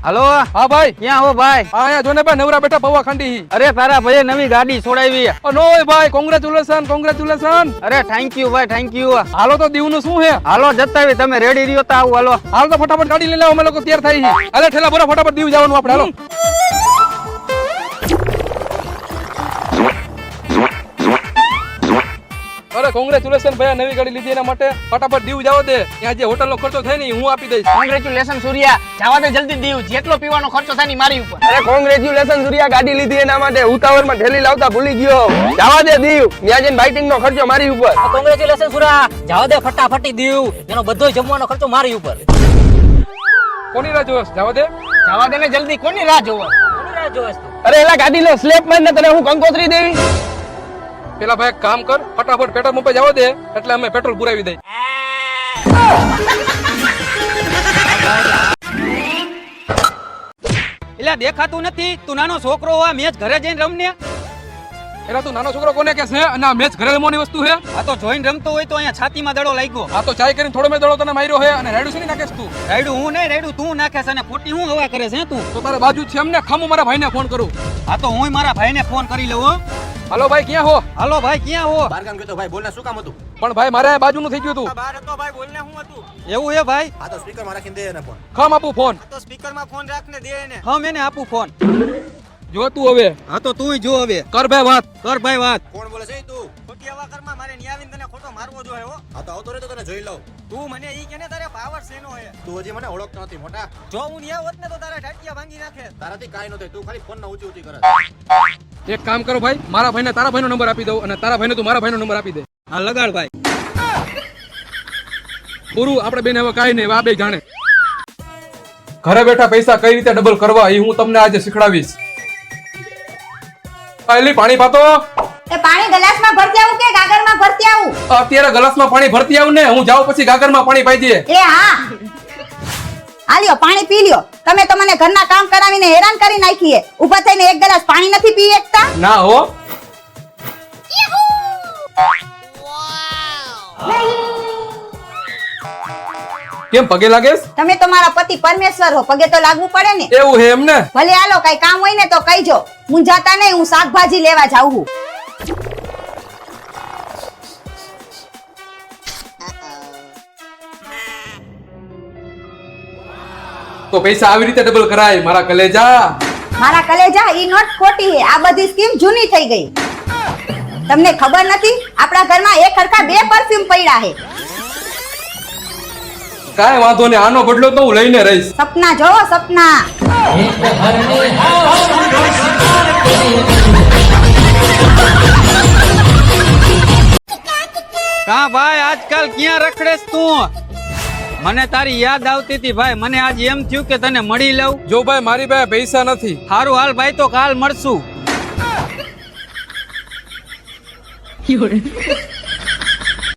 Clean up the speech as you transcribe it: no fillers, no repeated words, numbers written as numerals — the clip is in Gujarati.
હાલો હા ભાઈ, ક્યાં હો ભાઈ? હા અહીંયા જોને ભાઈ નવરા બેઠા પૌવા ખાંડી હી. અરે તારા ભાઈએ નવી ગાડી છોડાવી. નો હોય ભાઈ, કોંગ્રેચ્યુલેશન કોંગ્રેચ્યુલેશન. અરે થેન્ક યુ ભાઈ, થેન્ક યુ. હાલો તો દીવનું શું હે? હાલો જતાવી, તમે રેડી રહ્યો તો આવું. હાલો હાલ તો ફટાફટ ગાડી લઈ લાવો, અમે લોકો તૈયાર થઈ હી. અલે ઠેલા બોરા ફટાફટ દીવ જવાનું આપણે. હાલો અરે કોંગ્રેચ્યુલેશન ભાઈ, નવી ગાડી લીધી એના માટે. ફટાફટ દીવ જાવ દે, ત્યાં જે હોટલ નો ખર્ચો થાય ને હું આપી દઈશ. કોંગ્રેચ્યુલેશન સૂર્યા, જવા દે જલ્દી દીવ, જેટલો પીવાનો ખર્ચો થાય ને મારી ઉપર. અરે કોંગ્રેચ્યુલેશન સૂર્યા, ગાડી લીધી એના માટે. ઉતાવળમાં ઠેલી લાવતા ભૂલી ગયો. જવા દે દીવ, ત્યાં જઈને બાઇટિંગ નો ખર્ચો મારી ઉપર. કોંગ્રેચ્યુલેશન સૂર્યા, જવા દે ફટાફટી દીવ, એનો બધો જમવાનો ખર્ચો મારી ઉપર. કોની રાહ જોશ? જવા દે. જવા દે ને જલ્દી, કોની રાહ જોવે? કોની રાહ જોવે તું? અરે એલા ગાડી નો સ્લેપ માર ને તને હું કંકોત્રી દેવી. પેલા ભાઈ એક કામ કર, ફટાફટ પેટ્રોલ પંપે જવા દે, એટલે અમે પેટ્રોલ પુરાવી દઈ. એટલે દેખાતું નથી, તું નાનો છોકરો હોય, મેચ ઘરે જઈને રમને. એલા તું નાનો છોકરો કોને કે છે? અને આ મેચ ઘરે રમવાની વસ્તુ છે? આ તો જોઈને રમતો હોય તો અહીંયા છાતીમાં દડો લાગ્યો. આ તો ચાય કરીને થોડો મેં દડો તને માર્યો છે. અને રાયડું છે ને નાખેસ તું? રાયડું હું નહીં, રાયડું તું નાખે છે અને ખોટી હું હવા કરે છે તું. તો તારે બાજુ છે એમને ખામું મારા ભાઈને ફોન કરું. આ તો હું મારા ભાઈને ફોન કરી લઉં હો. હાલો ભાઈ, ક્યાં હો? હાલો ભાઈ, ક્યાં હો? બારગામ ગયો તો ભાઈ, બોલને શું કામ હતું? પણ ભાઈ મારે બાજુનું થઈ ગયું તું. બહાર હતો ભાઈ, બોલને શું હતું? એવું હે ભાઈ? આ તો સ્પીકર માં રાખીને દે એને ફોન. ખામ આપું ફોન. આ તો સ્પીકર માં ફોન રાખને દે એને. હા મેને આપું ફોન. જો તું હવે હા તો તું જો હવે કર ભાઈ વાત. કર ભાઈ વાત. કોણ બોલે છે તું? ખોટી હવા કરમાં મારે નિયાવીને તને ખોટો મારવો જોઈએ હો. આ તો આવતો રે તો તને જોઈ લઉં. તું મને ઈ કેને તારે પાવર શેનો હે? તું હજી મને ઓળખતો નથી મોટા. જો હું નિયા હોત ને તો તારા ટાટિયા ભાંગી નાખે. તારાથી કાઈ ન થાય, તું ખાલી ફોન ના ઊંચી ઊંચી કરે. એક કામ કરો ભાઈ, મારા ભાઈને તારા ભાઈનો નંબર આપી દઉં અને તારા ભાઈને તું મારા ભાઈનો નંબર આપી દે. હા લગાડ ભાઈ. પૂરું, આપણે બેન હવે કાઈ નહીં, આ બે જાણે. ઘરે બેઠા પૈસા કઈ રીતે ડબલ કરવા એ હું તમને આજે શીખડાવીશ. પહેલી પાણી પાતો. એ પાણી ગ્લાસમાં ભરતી આવું કે ગાગરમાં ભરતી આવું? અત્યારે ગ્લાસમાં પાણી ભરતી આવું ને, હું જાઉં પછી ગાગરમાં પાણી પાઈ દે. એ હા, આ લ્યો પાણી પી લ્યો. તમે તો મને ઘરના કામ કરાવીને હેરાન કરી નાખી હે. ઊભા થઈને એક ગ્લાસ પાણી નથી પી શકતા? ના હો. કેમ પગે લાગેસ? તમે તો મારા પતિ પરમેશ્વર હો, પગે તો લાગવું પડે ને. એવું હે એમને? ભલે હાલો, કઈ કામ હોય ને તો કહીજો. હું જાતા નહીં, હું શાકભાજી લેવા જાઉં છું. તો પૈસા આવી રીતે ડબલ કરાય મારા કલેજા. મારા કલેજા, ઈ નોટ ખોટી હે. આ બધી સ્કીમ જૂની થઈ ગઈ. તમને ખબર નથી, આપણા ઘરમાં એક હરખા 2 પરફ્યુમ પડ્યા હે. કાંઈ વાંધો ને, આનો બદલો તો હું લઈને રહીશ. સપના જોવો, સપના. કા ભાઈ આજકાલ ક્યાં રખડેસ તું? મને તારી યાદ આવતી હતી ભાઈ. મને આજ એમ થયું કે તને મળી લઉં. જો ભાઈ મારી પાસે પૈસા નથી. હારું હાલ ભાઈ, તો કાલ મળશું.